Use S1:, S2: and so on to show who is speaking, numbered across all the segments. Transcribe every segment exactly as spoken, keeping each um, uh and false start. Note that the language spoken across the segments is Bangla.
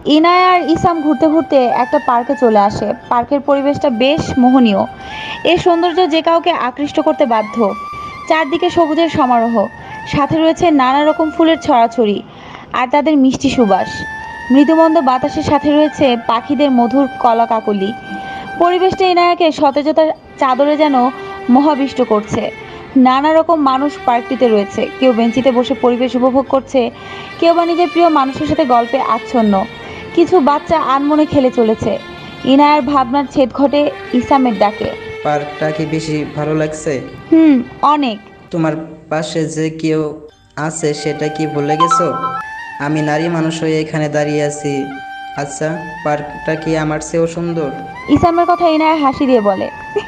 S1: ইনায়া আর ইসাম ঘুরতে ঘুরতে একটা পার্কে চলে আসে। পার্কের পরিবেশটা বেশ মোহনীয়। এর সৌন্দর্য যে কাউকে আকৃষ্ট করতে বাধ্য। চারদিকে সবুজের সমারোহ, সাথে রয়েছে নানা রকম ফুলের ছড়াছড়ি আর তাদের মিষ্টি সুবাস। মৃদুমন্দ বাতাসের সাথে রয়েছে পাখিদের মধুর কলাকাকলি। পরিবেশটা ইনায়াকে সতেজতার চাদরে যেন মোহাবিষ্ট করছে। নানা রকম মানুষ পার্কটিতে রয়েছে, কেউ বেঞ্চিতে বসে পরিবেশ উপভোগ করছে, কেউ বা নিজের প্রিয় মানুষের সাথে গল্পে আচ্ছন্ন, কিছু বাচ্চা আনমনে খেলে চলেছে। ইনায়ার ভাবনার ছেদ ঘটে ইসামের ডাকে।
S2: পার্কটা কি বেশি ভালো লাগছে?
S1: হুম, অনেক।
S2: তোমার পাশে যে কেউ আছে সেটা কি ভুলে গেছো? আমি নারী মানুষ হয়ে এখানে দাঁড়িয়ে আছি। আচ্ছা, পার্কটা কি আমার চেয়েও সুন্দর?
S1: ইসামের কথা ইনায়া হাসি দিয়ে বলে,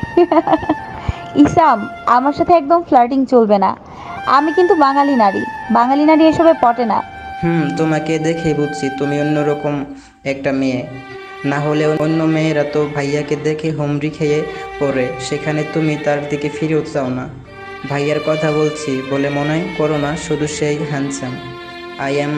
S1: ইসাম, আমার সাথে একদম ফ্লার্টিং চলবে না। আমি কিন্তু বাঙালি নারী। বাঙালি নারী এসবে পটে না।
S2: হুম, তোমাকে দেখে বুঝছি তুমি অন্যরকম একটা মেয়ে। না হলে অন্য মেয়েরা তো ভাইয়াকে দেখে হুমড়ি খেয়ে পড়ে, সেখানে তুমি তার দিকে ফিরেও চাও না। ভাইয়ার কথা বলছি বলে মনে করো না, শুধু সেই handsome. I am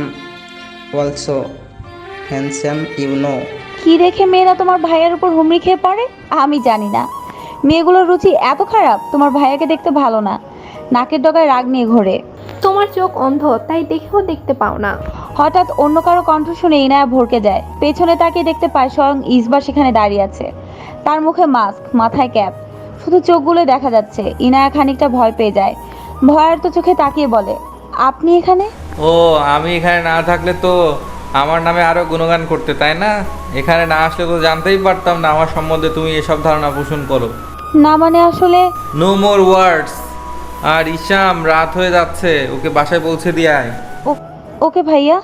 S2: also handsome, you know.
S1: কি দেখে মেয়েরা তোমার ভাইয়ের উপর হুমড়ি খেয়ে পড়ে? আমি জানি না। মেয়েগুলোর রুচি এত খারাপ? তোমার ভাইয়াকে দেখতে ভালো না, নাকের ডগায় রাগ নিয়ে ঘোরে।
S3: তোমার চোখ অন্ধ, তাই দেখেও দেখতে পাও না।
S1: হঠাৎ অন্য কারো কণ্ঠ শুনে ইনায়া ভরকে যায়। পেছনে তাকিয়ে দেখতে পায় স্বয়ং ইসবা সেখানে দাঁড়িয়ে আছে। তার মুখে মাস্ক, মাথায় ক্যাপ, শুধু চোখগুলো দেখা যাচ্ছে। ইনায়া খানিকটা ভয় পেয়ে যায়। ভয়ার্ত চোখে তাকিয়ে বলে, আপনি এখানে?
S4: ও, আমি এখানে না থাকলে তো আমার নামে আরো গুণগান করতে, তাই না? এখানে না আসলে তো জানতেই পারতাম না আমার সম্বন্ধে তুমি এসব ধারণা পোষণ করো।
S1: না মানে আসলে।
S4: নো মোর ওয়ার্ডস। আর ইসাম, রাত হয়ে যাচ্ছে, ওকে বাসায় পৌঁছে দিয়ে আয়।
S1: ও- ওকে ভাইয়া।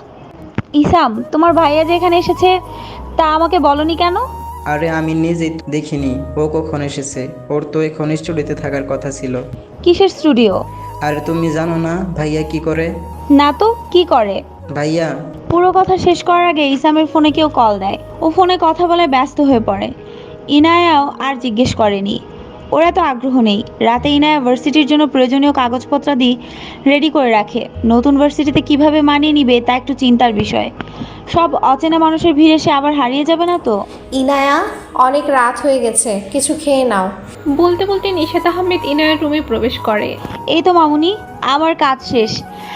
S1: ইসাম, তোমার ভাইয়া যে এখানে এসেছে তা আমাকে বলনি কেন?
S2: আরে আমি নিজেই তো দেখিনি ও কখন এসেছে। ওর তো এখন স্টুডিওতে থাকার কথা ছিল।
S1: কিসের স্টুডিও?
S2: আরে তুমি জানো না ভাইয়া কি করে?
S1: না তো, কি করে?
S2: ভাইয়া
S1: পুরো কথা শেষ করার আগে ইসামের ফোনে কেউ কল দেয়। ও ফোনে কথা বলে ব্যস্ত হয়ে পড়ে। ইনায়াও আর জিজ্ঞেস করেনি। ওর এত আগ্রহ নেই। রাতে ইনায়া ভার্সিটির জন্য প্রয়োজনীয় কাগজপত্রাদি রেডি করে রাখে। নতুন ভার্সিটিতে কিভাবে মানিয়ে নিবে তা একটু চিন্তার বিষয়। সব অচেনা মানুষের ভিড়ে সে আবার হারিয়ে যাবে না তো।
S5: ইনায়া, অনেক রাত হয়ে গেছে, কিছু খেয়ে নাও।
S3: বলতে বলতে নিশাত আহমেদ ইনায়ের রুমে প্রবেশ করে।
S1: এই তো মামুনি, আমার কাজ শেষ।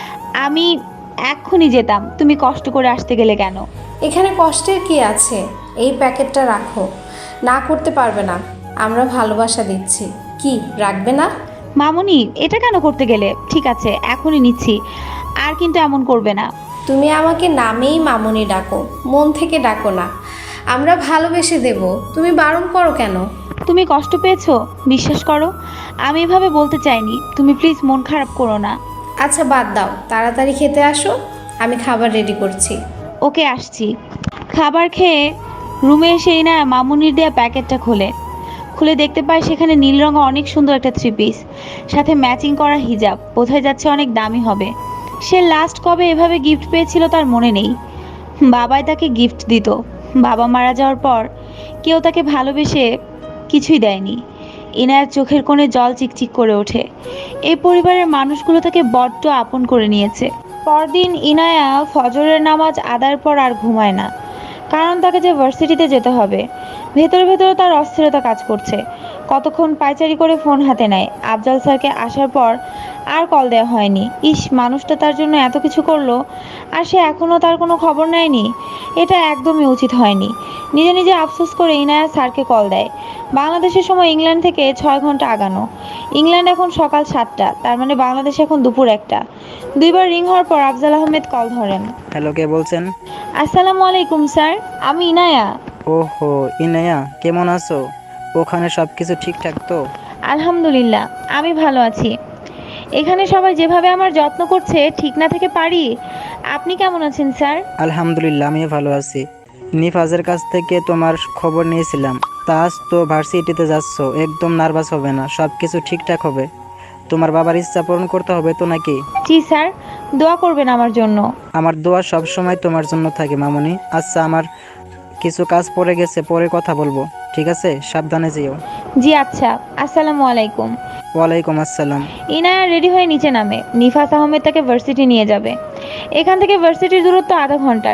S1: আমি এক্ষুনি যেতাম, তুমি কষ্ট করে আসতে গেলে কেন?
S5: এখানে কষ্টের কি আছে? এই প্যাকেটটা রাখো। না করতে পারবে না, আমরা ভালোবাসা দিচ্ছি। কি রাখবে না?
S1: মামুনি, এটা কেন করতে গেলে? ঠিক আছে, এখনই নিচ্ছি, আর কিন্তু এমন করবে না।
S5: তুমি আমাকে নামেই মামুনি ডাকো, মন থেকে ডাকো না। আমরা ভালোবেসে দেব, তুমি বারণ করো কেন?
S1: তুমি কষ্ট পেয়েছো? বিশ্বাস করো, আমি এভাবে বলতে চাইনি। তুমি প্লিজ মন খারাপ করো না।
S5: আচ্ছা বাদ দাও, তাড়াতাড়ি খেতে আসো, আমি খাবার রেডি করছি।
S1: ওকে, আসছি। খাবার খেয়ে রুমে এসেই না মামুনির দেয়া প্যাকেটটা খোলে। খুলে দেখতে পায় সেখানে নীল রঙের অনেক সুন্দর একটা থ্রি পিস, সাথে ম্যাচিং করা হিজাব। বোঝাই যাচ্ছে অনেক দামি হবে। সে লাস্ট কবে এভাবে গিফট পেয়েছিল তার মনে নেই। বাবাই তাকে গিফট দিত। বাবা মারা যাওয়ার পর কেউ তাকে ভালোবেসে কিছুই দেয়নি। ইনায়ার চোখের কোণে জল চিকচিক করে ওঠে। এই পরিবারের মানুষগুলো তাকে বড্ড আপন করে নিয়েছে। পরদিন ইনায়া ফজরের নামাজ আদায়ের পর আর ঘুমায় না, কারণ তাকে যে ভার্সিটিতে যেতে হবে। ভেতরে ভেতরে তার অস্থিরতা কাজ করছে। কতক্ষণ পায়চারি করে ফোন হাতে নেয়। আফজাল স্যারকে আসার পর আর কল দেওয়া হয়নি। ইস, মানুষটা তার জন্য এত কিছু করলো, আর সে এখনও তার কোনো খবর নেয়নি। এটা একদমই উচিত হয়নি। নিজে নিজে আফসোস করে ইনায়া স্যারকে কল দেয়। বাংলাদেশের সময় ইংল্যান্ড থেকে ছয় ঘন্টা আগানো। ইংল্যান্ড এখন সকাল সাতটা, তার মানে বাংলাদেশ এখন দুপুর একটা। দুইবার রিং হওয়ার পর আফজাল আহমেদ কল ধরেন।
S2: হ্যালো, কে বলছেন?
S1: আসসালামু আলাইকুম স্যার, আমি ইনায়া।
S2: ওহো, ইনায়া, কেমন আছো? ওখানে সব কিছু ঠিকঠাক তো?
S1: আলহামদুলিল্লাহ, আমি ভালো আছি। এখানে সবাই যেভাবে আমার যত্ন করছে, ঠিক না থেকে পারি। আপনি কেমন আছেন স্যার?
S2: আলহামদুলিল্লাহ, আমিও ভালো আছি। নিফাজের কাছ থেকে তোমার খবর নিয়েছিলাম। তা আজ তো ভার্সিটিতে যাচ্ছ, একদম নার্ভাস হবে না, সব কিছু ঠিকঠাক হবে। তোমার বাবার ইচ্ছা পূরণ করতে হবে তো নাকি?
S1: জি স্যার, দোয়া করবেন আমার জন্য।
S2: আমার দোয়া সব সময় তোমার জন্য থাকে মামুনি। আচ্ছা, আমার কিছু কাজ পড়ে গেছে, পরে কথা বলবো, ঠিক আছে? সাবধানে যেও।
S1: জি আচ্ছা, আসসালামু আলাইকুম।
S2: ওয়ালাইকুম আসসালাম।
S1: ইনায়া রেডি হয়ে নিচে নামে। নিফাস আহমেদ তাকে ভার্সিটি নিয়ে যাবে। এখান থেকে ভার্সিটির দূরত্ব আধা ঘন্টার।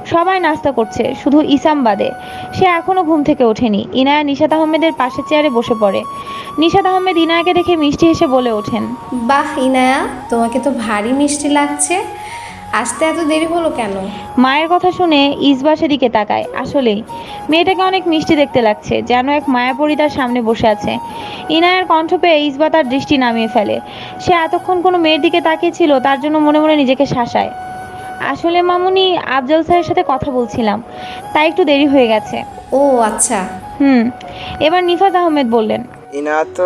S1: সবাই নাস্তা করছে, শুধু ইসাম বাদে। সে এখনো ঘুম থেকে ওঠেনি। ইনায়া নিশাত আহমেদের পাশের চেয়ারে বসে পড়ে। নিশাত আহমেদ ইনায়াকে দেখে মিষ্টি হেসে বলে ওঠেন,
S5: বাহ ইনায়া, তোমাকে তো ভারী মিষ্টি লাগছে। আসতে এত দেরি হলো কেন?
S1: মায়ের কথা শুনে ইসবা সেদিকে তাকায়। আসলেই মেয়েটাকে অনেক মিষ্টি দেখতে লাগছে, যেন এক মায়াপরী তার সামনে বসে আছে। ইনায়ার কণ্ঠ পেয়ে ইসবা তার দৃষ্টি নামিয়ে ফেলে। সে এতক্ষণ কোনো মেয়ের দিকে তাকিয়েছিল, তার জন্য মনে মনে নিজেকে শাসায়। আসলে মামুনি, আফজল স্যারের সাথে কথা বলছিলাম, তাই একটু দেরি হয়ে গেছে।
S5: ও আচ্ছা।
S1: হুম এবার নিফাত আহমেদ বললেন,
S6: ইনা তো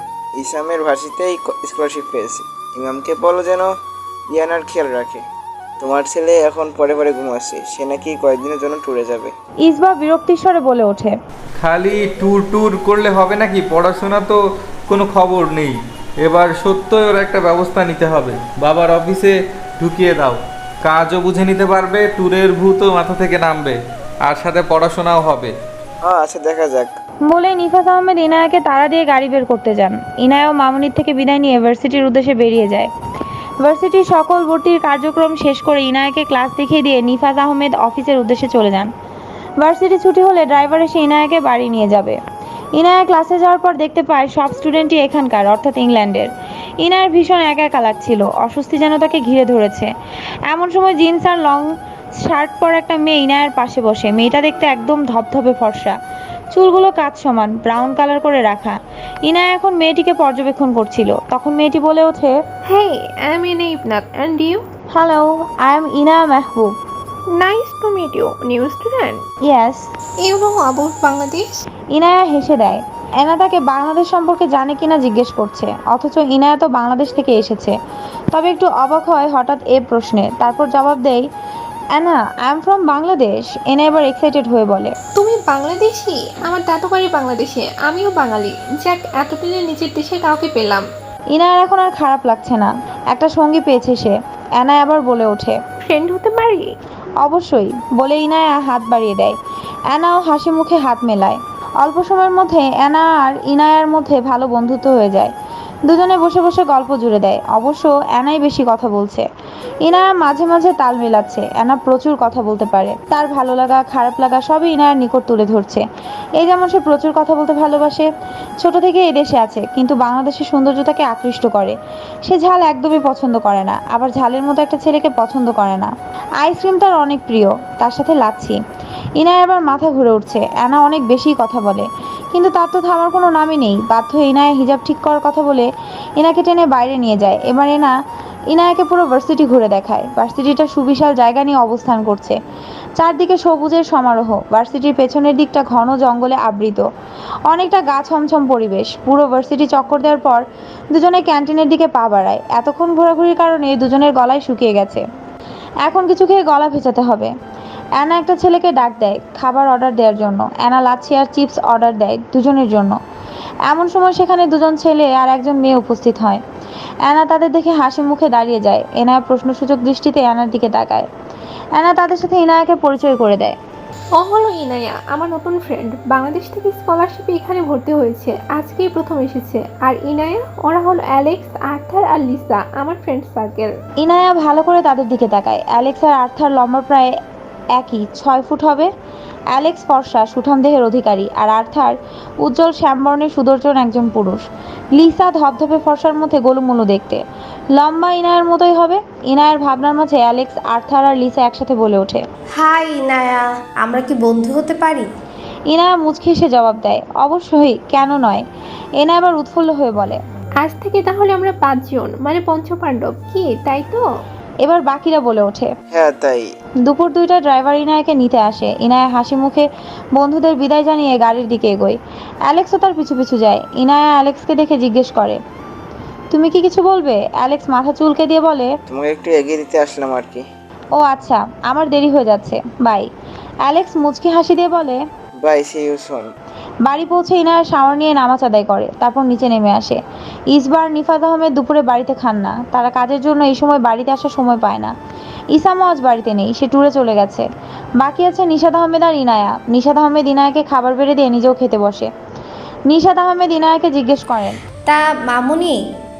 S6: ইসামের ভার্সিতেই স্কলারশিপ পেয়েছে। ইমামকে বলো যেন ইয়ানার খেয়াল রাখে। তোমার ছেলে এখন পরে পরে ঘুমাচ্ছে, সে নাকি কয়েকদিনের জন্য ট্যুরে যাবে।
S1: ইসবা বিরক্তির স্বরে বলে ওঠে,
S4: খালি ট্যুর ট্যুর করলে হবে নাকি? পড়াশোনা তো কোনো খবর নেই। এবার সত্যই ওর একটা ব্যবস্থা নিতে হবে। বাবার অফিসে ঢুকিয়ে দাও, কাজও বুঝে নিতে পারবে, ট্যুরের ভূতও মাথা থেকে নামবে, আর সাথে পড়াশোনাও হবে।
S6: হ্যাঁ আচ্ছা, দেখা যাক।
S1: বলে নিফাত আহমেদ ইনায়াকে তাড়া দিয়ে গাড়ি বের করতে যান। ইনায়াও মামুনির থেকে বিদায় নিয়ে ভার্সিটির উদ্দেশ্যে বেরিয়ে যায়। ভার্সিটির সকল ভর্তির কার্যক্রম শেষ করে ইনায়াকে ক্লাস দেখিয়ে দিয়ে নিফাত আহমেদ অফিসের উদ্দেশ্যে চলে যান। ভার্সিটি ছুটি হলে ড্রাইভার এসে ইনায়াকে বাড়ি নিয়ে যাবে। ইনায়া ক্লাসে যাওয়ার পর দেখতে পায় সব স্টুডেন্টই এখানকার, অর্থাৎ ইংল্যান্ডের। ইনায়ার ভীষণ একা একা লাগছিল, অস্বস্তি যেন তাকে ঘিরে ধরেছে। এমন সময় জিন্স আর লং শার্ট পরা একটা মেয়ে ইনায়ার পাশে বসে। মেয়েটা দেখতে একদম ধপধপে ফর্সা, চুলগুলো কাঁচ সমান ব্রাউন কালার করে রাখা। ইনায়া এখন মেয়েটিকে পর্যবেক্ষণ করছিল। তখন মেয়েটি বলে ওঠে,
S3: Hey, I'm Ina Ibnat, and you?
S1: Hello, I am Inaya Mehboob.
S3: Nice to meet you, new student.
S1: Yes.
S3: You know about Bangladesh?
S1: Inaya হেসে দেয়। এনা তাকে বাংলাদেশ সম্পর্কে জানে কিনা জিজ্ঞেস করছে, অথচ ইনায়া তো বাংলাদেশ থেকে এসেছে। তবে একটু অবাক হয় হঠাৎ এ প্রশ্নে। তারপর জবাব দেয়, Ina, I am from Bangladesh. Ina এবার এক্সাইটেড হয়ে বলে,
S3: তুমি বাংলাদেশি? আমার দাদু বাড়ি বাংলাদেশে, আমিও বাঙালি। যাক, এতদিনে নিজের দেশে কাউকে পেলাম।
S1: ইনায়ার এখন আর খারাপ লাগছে না, একটা সঙ্গী পেয়েছে সে। অ্যানা আবার বলে ওঠে,
S3: ফ্রেন্ড হতে পারি?
S1: অবশ্যই। বলে ইনায়া হাত বাড়িয়ে দেয়। অ্যানাও হাসি মুখে হাত মেলায়। অল্প সময়ের মধ্যে অ্যানা আর ইনায়ার মধ্যে ভালো বন্ধুত্ব হয়ে যায়। দুজনে বসে বসে গল্প জুড়ে দেয়। অবশ্য অ্যানাই বেশি কথা বলছে। ইনায়া মাঝে মাঝে তাল মেলাচ্ছে। অ্যানা প্রচুর কথা বলতে পারে, তার ভালো লাগা খারাপ লাগা সবই ইনায়ার নিকট তুলে ধরছে। এই যেমন সে প্রচুর কথা বলতে ভালোবাসে, ছোট থেকে এই দেশে আছে, কিন্তু বাংলাদেশের সৌন্দর্য তাকে আকৃষ্ট করে। সে ঝাল একদমই পছন্দ করে না, আবার ঝালের মতো একটা ছেলেকে পছন্দ করে না। আইসক্রিম তার অনেক প্রিয়, তার সাথে লাচ্ছি। ইনায়া আবার মাথা ঘুরে উঠছে। অ্যানা অনেক বেশি কথা বলে, কিন্তু তার তো থামার কোনো নামই নেই। বাধ্য হয়ে ইনায়া হিজাব ঠিক করার কথা বলে ইনাকে টেনে বাইরে নিয়ে যায়। এবার এনা ইনায়াকে পুরো ভার্সিটি ঘুরে দেখায়। ভার্সিটিটা সুবিশাল জায়গা নিয়ে অবস্থান করছে, চারদিকে সবুজের সমারোহ। ভার্সিটির পেছনের দিকটা ঘন জঙ্গলে আবৃত, অনেকটা গা ছমছম পরিবেশ। পুরো ভার্সিটি চক্কর দেওয়ার পর দুজনে ক্যান্টিনের দিকে পা বাড়ায়। এতক্ষণ ঘোরাঘুরির কারণে দুজনের গলায় শুকিয়ে গেছে, এখন কিছু খেয়ে গলা ভেজাতে হবে। অ্যানা একটা ছেলেকে ডাক দেয় খাবার অর্ডার দেওয়ার জন্য। অ্যানা লাচ্ছি আর চিপস অর্ডার দেয় দুজনের জন্য। এমন সময় সেখানে দুজন ছেলে আর একজন মেয়ে উপস্থিত হয়। অ্যানা তাদের দেখে হাসি মুখে দাঁড়িয়ে যায়। এনায়া প্রশ্নসূচক দৃষ্টিতে অ্যানার দিকে তাকায়। অ্যানা তাদের সাথে ইনায়াকে পরিচয় করে দেয়।
S3: ও হলো ইনায়া, আমার নতুন ফ্রেন্ড। বাংলাদেশ থেকে স্কলারশিপে এখানে ভর্তি হয়েছে, আজকেই প্রথম এসেছে। আর ইনায়া, ওরা হলো অ্যালেক্স, আর্থার আর লিসা, আমার ফ্রেন্ড সার্কেল।
S1: ইনায়া ভালো করে তাদের দিকে তাকায়। অ্যালেক্স আর আর্থার লম্বা প্রায় একই, ছয় ফুট হবে। অ্যালেক্স ফর্সা সুঠাম দেহের অধিকারী, আর আর্থার উজ্জ্বল শ্যামবর্ণের সুদর্শন একজন পুরুষ। লিসা ধপধপে ফর্সার মধ্যে গোলুমুলু দেখতে, লম্বা ইনায়ার মতোই হবে। ইনায়ার ভাবনার মাঝে অ্যালেক্স, আর্থার আর লিসা একসাথে বলে ওঠে,
S5: হাই ইনায়া, আমরা কি বন্ধু হতে পারি?
S1: ইনায়া মুচকি এসে জবাব দেয়, অবশ্যই, কেন নয়। এনা আবার উৎফুল্ল হয়ে বলে,
S3: আজ থেকে তাহলে আমরা পাঁচজন, মানে পঞ্চপাণ্ডব, কি তাই তো?
S1: এবার বাকিরা বলে ওঠে।
S6: হ্যাঁ তাই।
S1: দুপুর দুইটায় ড্রাইভার ইনায়াকে নিতে আসে। ইনায়া হাসি মুখে বন্ধুদের বিদায় জানিয়ে গাড়ির দিকে এগোয়। অ্যালেক্সও তার পিছু পিছু যায়। ইনায়া অ্যালেক্সকে দেখে জিজ্ঞেস করে, তুমি কি কিছু বলবে? অ্যালেক্স মাথা চুলকে দিয়ে বলে,
S6: তোমাকে একটু এগিয়ে দিতে আসলাম আর কি।
S1: ও আচ্ছা, আমার দেরি হয়ে যাচ্ছে, বাই। অ্যালেক্স মুচকি হাসি দিয়ে বলে,
S6: বাই, সি ইউ সুন।
S1: বাড়ি পৌঁছে ইনায়া শাওয়ার নিয়ে নামাজ আদায় করে, তারপর নিচে নেমে আসে। ইসবার নিফাত আহমেদ দুপুরে বাড়িতে খান না, তারা কাজের জন্য এই সময় বাড়িতে আসার সময় পায় না। ইসামও আজ বাড়িতে নেই, সে ট্যুরে চলে গেছে। বাকি আছে নিশাত আহমেদ আর ইনায়া। নিশাত আহমেদ ইনায়াকে খাবার বেড়ে দিয়ে নিজেও খেতে বসে। নিশাত আহমেদ ইনায়াকে জিজ্ঞেস করেন,
S5: তা মামুনি,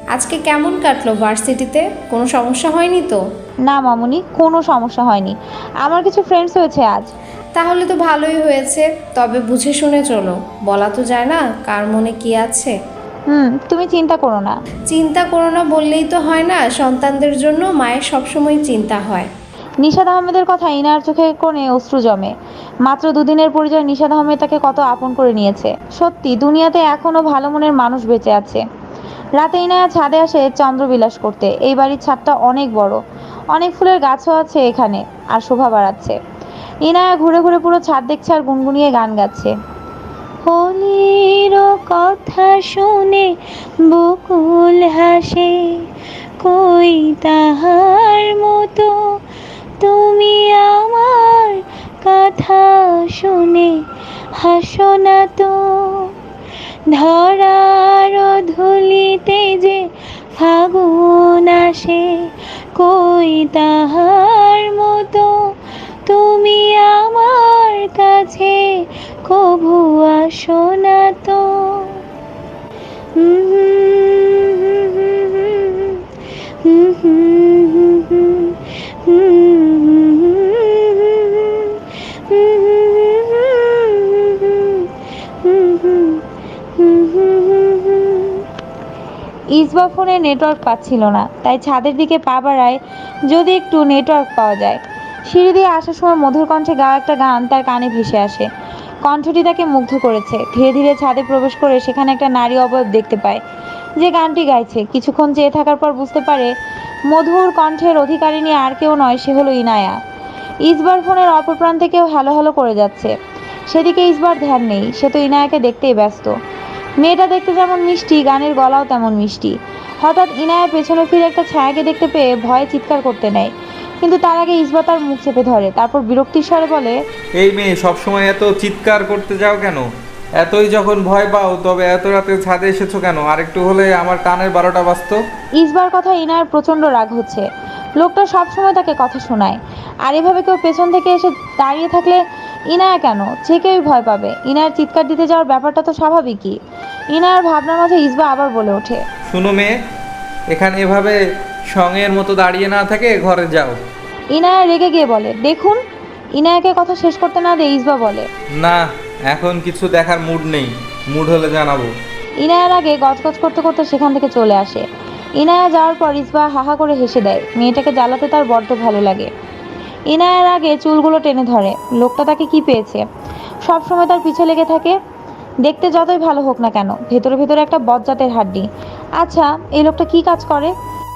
S5: আজকে কেমন কাটলো ভার্সিটিতে? কোনো সমস্যা হয়নি তো?
S1: না মামুনি, কোনো সমস্যা হয়নি। আমার কিছু ফ্রেন্ডস হয়েছে আজ।
S5: তাহলে তো ভালোই হয়েছে, তবে বুঝে শুনে চলো, বলা তো যায় না কার মনে কি আছে।
S1: হুম, তুমি চিন্তা করো না।
S5: চিন্তা করো না বললেই তো হয় না, সন্তানদের জন্য মায়ের সবসময় চিন্তা হয়।
S1: নিশাদ আহমেদের কথা ইনার চোখে কোণে অশ্রু জমে। মাত্র দুদিনের পরিচয় নিশাদ আহমেদ তাকে কত আপন করে নিয়েছে। সত্যি দুনিয়াতে এখনো ভালো মনের মানুষ বেঁচে আছে। রাতে ইনায়া ছাদে আসে চন্দ্রবিলাস করতে। এই বাড়ির ছাদটা অনেক বড়, অনেক ফুলের গাছও আছে এখানে, আর শোভা বাড়াচ্ছে। ইনায়া ঘুরে ঘুরে পুরো ছাদ দেখছে আর গুনগুনিয়ে গান গাচ্ছে। হোলির কথা শুনে বকুল হাসে, কই তাহার মতো তুমি আমার কথা শুনে হাসো না তো। ধরার ধুলিতে যে ফাগুন আসে, কই তাহার মতো তুমি আমার কাছে কভু আসো না তো। ইসবা ফোনে নেটওয়ার্ক পাচ্ছিল না, তাই ছাদের দিকে পা বাড়ায় যদি একটু নেটওয়ার্ক পাওয়া যায়। সিঁড়ি দিয়ে আসার সময় মধুর কণ্ঠে গাওয়া একটা গান তার কানে ভেসে আসে। কণ্ঠটি তাকে মুগ্ধ করেছে। ধীরে ধীরে ছাদে প্রবেশ করে সেখানে একটা নারী অবয়ব দেখতে পায় যে গানটি গাইছে। কিছুক্ষণ চেয়ে থাকার পর বুঝতে পারে মধুর কণ্ঠের অধিকারিণী আর কেউ নয়, সে হলো ইনায়া। ইসবার ফোনের অপর প্রান্তে কেউ হ্যালো হ্যালো করে যাচ্ছে। সেদিকে ইসবার ধ্যান নেই, সে তো ইনায়াকে দেখতেই ব্যস্ত। মেয়েটা দেখতে যেমন মিষ্টি, গানের গলাও তেমন মিষ্টি। হঠাৎ ইনায়া পেছনে ফিরে একটা ছায়াকে দেখতে পেয়ে ভয়ে চিৎকার করতে নেয়, কিন্তু তার আগে ইসবা তার মুখ চেপে ধরে। তারপর বিরক্তির স্বরে বলে,
S4: এই মেয়ে, সবসময় এত চিৎকার করতে যাও কেন? এতই যখন ভয় পাও তবে এত রাতে ছাদে এসেছো কেন? আরেকটু হলে আমার কানের বারোটা বাজতো।
S1: ইসবার কথা ইনায়ার প্রচণ্ড রাগ হচ্ছে। লোকটা সবসময় তাকে কথা শোনায়, আর এভাবে কেউ পেছন থেকে এসে দাঁড়িয়ে থাকলে ইনায়া কেন, যে কেউই ভয় পাবে। ইনায়ার চিৎকার দিতে যাওয়ার ব্যাপারটা তো স্বাভাবিকই। ইনায়ার ভাবনার মাঝে ইসবা আবার বলে ওঠে,
S4: শুনো মেয়ে, এখানে এভাবে সঙ্গের মতো দাঁড়িয়ে না থেকে ঘরে যাও।
S1: ইনায়া রেগে গিয়ে বলে, দেখুন। ইনায়াকে কথা শেষ করতে না দিয়ে ইসবা বলে,
S4: না, এখন কিছু দেখার মুড নেই, মুড হলে জানাবো।
S1: ইনায়ার আগে গজগজ করতে করতে সেখান থেকে চলে আসে। ইনায়া যাওয়ার পর ইসবা হাহা করে হেসে দেয়। মেয়েটাকে জ্বালাতে তার বড্ড ভালো লাগে। ইনায়ার আগে চুলগুলো টেনে ধরে। লোকটা তাকে কি পেয়েছে, সব সময় তার পিছে লেগে থাকে। দেখতে যতই ভালো হোক না কেন, ভেতরে ভেতরে একটা বজ্জাতের হাড্ডি। আচ্ছা, এই লোকটা কি কাজ করে?